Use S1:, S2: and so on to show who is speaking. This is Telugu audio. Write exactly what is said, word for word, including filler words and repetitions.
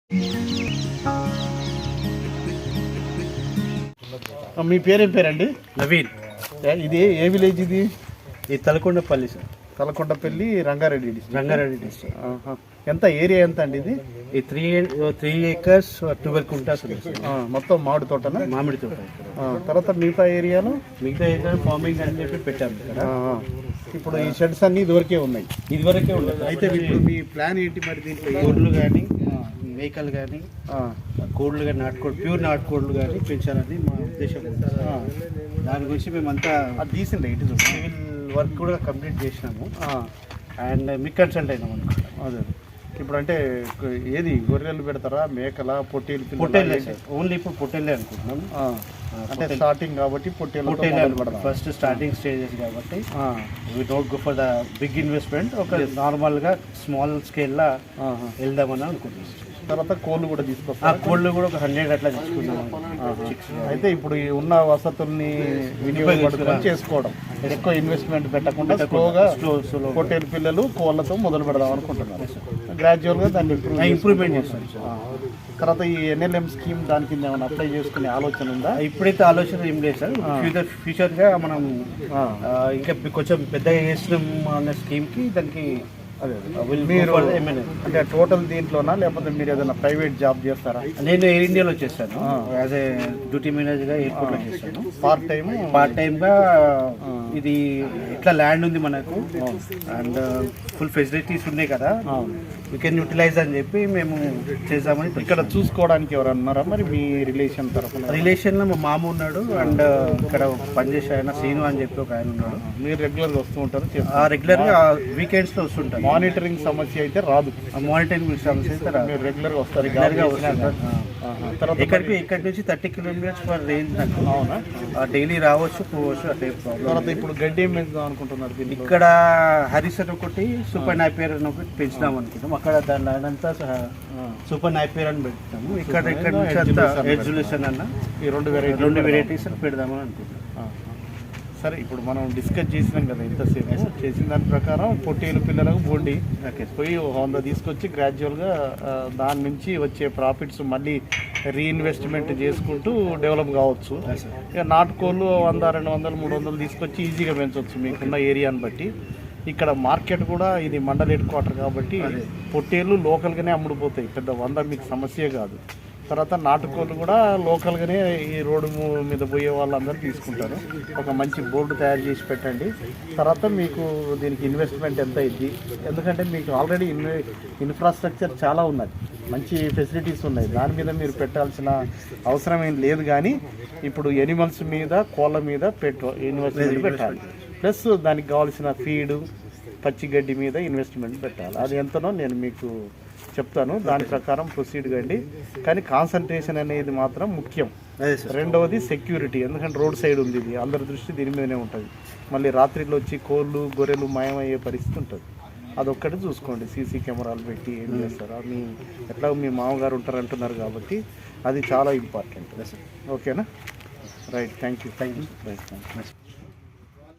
S1: మీ పేరేం పేరండి?
S2: నవీన్.
S1: ఇది ఏ విలేజ్ ఇది?
S2: ఈ Talakondapalli sir.
S1: Talakondapalli Rangareddy district.
S2: Rangareddy district.
S1: ఎంత ఏరియా ఎంత అండి ఇది?
S2: ఈ త్రీ త్రీ ఏకర్స్ ట్వెల్వ్ కుంటాస్
S1: మొత్తం మామిడి తోటనా?
S2: మామిడి తోట.
S1: తర్వాత మిగతా ఏరియాలో
S2: మిగతా ఏరియా ఫార్మింగ్ అని చెప్పి పెట్టాము ఇక్కడ.
S1: ఇప్పుడు ఈ షెడ్స్ అన్ని ఇదివరకే ఉన్నాయి.
S2: ఇదివరకే ఉండదు.
S1: అయితే ఇప్పుడు మీ ప్లాన్ ఏంటి మరి? దీంట్లో
S2: కోళ్ళు కానీ మేకలు కానీ కోళ్ళు కానీ నాటుకోళ్ళు ప్యూర్ నాటుకోళ్ళు కానీ పెంచాలని మా ఉద్దేశం ఉంది. దాని గురించి మేమంతా
S1: అది తీసిండే ఇటు చూసి
S2: సివిల్ వర్క్ కూడా కంప్లీట్ చేసినాము అండ్ మీకు కన్సల్ట్ అయినాం అనుకో.
S1: అదే ఇప్పుడు అంటే ఏది గొర్రెలు పెడతారా, మేకల, పొట్టేలు?
S2: పొట్టేలే సార్, ఓన్లీ ఇప్పుడు పొట్టేలే అనుకుంటున్నాం.
S1: అంటే స్టార్టింగ్ కాబట్టి పొట్టేలు
S2: పొట్టేలు ఫస్ట్ స్టార్టింగ్ స్టేజెస్ కాబట్టి we don't go for the big investment. ఒక నార్మల్గా స్మాల్ స్కేల్లో వెళ్దామని అనుకుంటున్నాం.
S1: తర్వాత కోళ్ళు కూడా తీసుకొస్తాం.
S2: ఆ కోళ్ళు కూడా ఒక హండ్రెడ్ అట్లా తీసుకుందాం.
S1: అయితే ఇప్పుడు ఈ ఉన్న వసతుల్ని వినియోగపడుకొని చేసుకోవడం, ఎక్కువ ఇన్వెస్ట్మెంట్ పెట్టకుండా స్లోగా పొట్టేలు పిల్లలు కోళ్ళతో మొదలు పెడదాం అనుకుంటున్నారు. గ్రాడ్యువల్గా దాన్ని
S2: ఇంప్రూవ్మెంట్ చేస్తాం.
S1: తర్వాత ఈ ఎన్ఎల్ఎం స్కీమ్ దాని కింద ఏమైనా అప్లై చేసుకునే ఆలోచన ఉందా?
S2: ఇప్పుడైతే ఆలోచన ఏం లేదు సార్. ఫ్యూచర్ ఫ్యూచర్గా మనం ఇంకా కొంచెం పెద్దగా చేస్తున్నాం అనే స్కీమ్కి దానికి
S1: అదే మీరు అంటే టోటల్ దీంట్లోనా లేకపోతే మీరు ఏదైనా ప్రైవేట్ జాబ్ చేస్తారా?
S2: నేను ఎయిర్ ఇండియాలో చేస్తాను. యాజ్ ఏ డ్యూటీ మేనేజర్గా ఎయిర్పోర్ట్లో చేస్తాను.
S1: పార్ట్ టైం
S2: పార్ట్ టైమ్గా ఇది ఎట్లా ల్యాండ్ ఉంది మనకు అండ్ ఫుల్ ఫెసిలిటీస్ ఉన్నాయి కదా, యూ కెన్ యూటిలైజ్ అని చెప్పి మేము చేద్దామని.
S1: ఇక్కడ చూసుకోవడానికి ఎవరు అన్నారా మరి మీ రిలేషన్ తరఫున?
S2: రిలేషన్లో మా మామ ఉన్నాడు అండ్ ఇక్కడ పనిచేసే ఆయన సీను అని చెప్పి ఒక ఆయన ఉన్నాడు.
S1: మీరు రెగ్యులర్గా వస్తూ ఉంటారు?
S2: రెగ్యులర్గా వీకెండ్స్లో వస్తుంటారు.
S1: మానిటరింగ్ సమస్య అయితే రాదు.
S2: మానిటరింగ్ సమస్య అయితే రాదు.
S1: మీరు రెగ్యులర్గా వస్తారు?
S2: రెగ్యులర్గా వస్తుంటారు. తర్వాత ఇక్కడికి ఇక్కడి నుంచి థర్టీ కిలోమీటర్స్ పర్ రేంజ్ నాకు.
S1: అవునా?
S2: డైలీ రావచ్చు పోవచ్చు అట్లా.
S1: తర్వాత ఇప్పుడు గడ్డి ఏం పెంచుదాం అనుకుంటున్నారు?
S2: ఇక్కడ హరిసర్ ఒకటి సూపర్ నాపియర్ అని ఒకటి పెంచుదాం అనుకుంటాం. అక్కడ దాని ల్యాండ్ అంతా సూపర్ నాపియర్ అని పెడతాము. ఇక్కడ ఇక్కడ నుంచి అంతా ఎడ్యులేషన్ అన్న
S1: ఈ రెండు వెరైటీ
S2: రెండు వెరైటీస్ పెడదామని అనుకుంటాం.
S1: సరే, ఇప్పుడు మనం డిస్కస్ చేసినాం కదా ఇంతసేపు. చేసిన దాని ప్రకారం పొట్టేలు పిల్లలకు బోండి పోయి వంద తీసుకొచ్చి గ్రాడ్యువల్గా దాని నుంచి వచ్చే ప్రాఫిట్స్ మళ్ళీ రీఇన్వెస్ట్మెంట్ చేసుకుంటూ డెవలప్ కావచ్చు. ఇక నాటుకోళ్ళు వంద రెండు వందలు మూడు వందలు తీసుకొచ్చి ఈజీగా పెంచవచ్చు మీకున్న ఏరియాని బట్టి. ఇక్కడ మార్కెట్ కూడా ఇది మండల్ హెడ్ క్వార్టర్ కాబట్టి పొట్టేళ్ళు లోకల్గానే అమ్ముడుపోతాయి. పెద్ద వంద మీకు సమస్య కాదు. తర్వాత నాటుకోళ్ళు కూడా లోకల్గానే ఈ రోడ్డు మీద పోయే వాళ్ళందరూ తీసుకుంటారు. ఒక మంచి బోర్డు తయారు చేసి పెట్టండి. తర్వాత మీకు దీనికి ఇన్వెస్ట్మెంట్ ఎంత అయింది, ఎందుకంటే మీకు ఆల్రెడీ ఇన్ ఇన్ఫ్రాస్ట్రక్చర్ చాలా ఉన్నది, మంచి ఫెసిలిటీస్ ఉన్నాయి. దాని మీద మీరు పెట్టాల్సిన అవసరం ఏం లేదు. కానీ ఇప్పుడు ఎనిమల్స్ మీద కోళ్ళ మీద పెట్ట ఇన్వెస్ట్మెంట్ పెట్టాలి. ప్లస్ దానికి కావాల్సిన ఫీడు పచ్చిగడ్డి మీద ఇన్వెస్ట్మెంట్ పెట్టాలి. అది ఎంతనో నేను మీకు చెప్తాను, దాని ప్రకారం ప్రొసీడ్ కండి. కానీ కాన్సన్ట్రేషన్ అనేది మాత్రం ముఖ్యం. రెండవది సెక్యూరిటీ, ఎందుకంటే రోడ్ సైడ్ ఉంది ఇది, అందరి దృష్టి దీని మీదనే ఉంటుంది. మళ్ళీ రాత్రిలో వచ్చి కోళ్ళు గొర్రెలు మాయమయ్యే పరిస్థితి ఉంటుంది. అదొక్కటి చూసుకోండి. సీసీ కెమెరాలు పెట్టి ఏం చేస్తారా, మీ ఎట్లా మీ మామగారు ఉంటారంటున్నారు కాబట్టి అది చాలా ఇంపార్టెంట్. ఓకేనా? Right, thank you.
S2: Thank you.
S1: Right, thank you.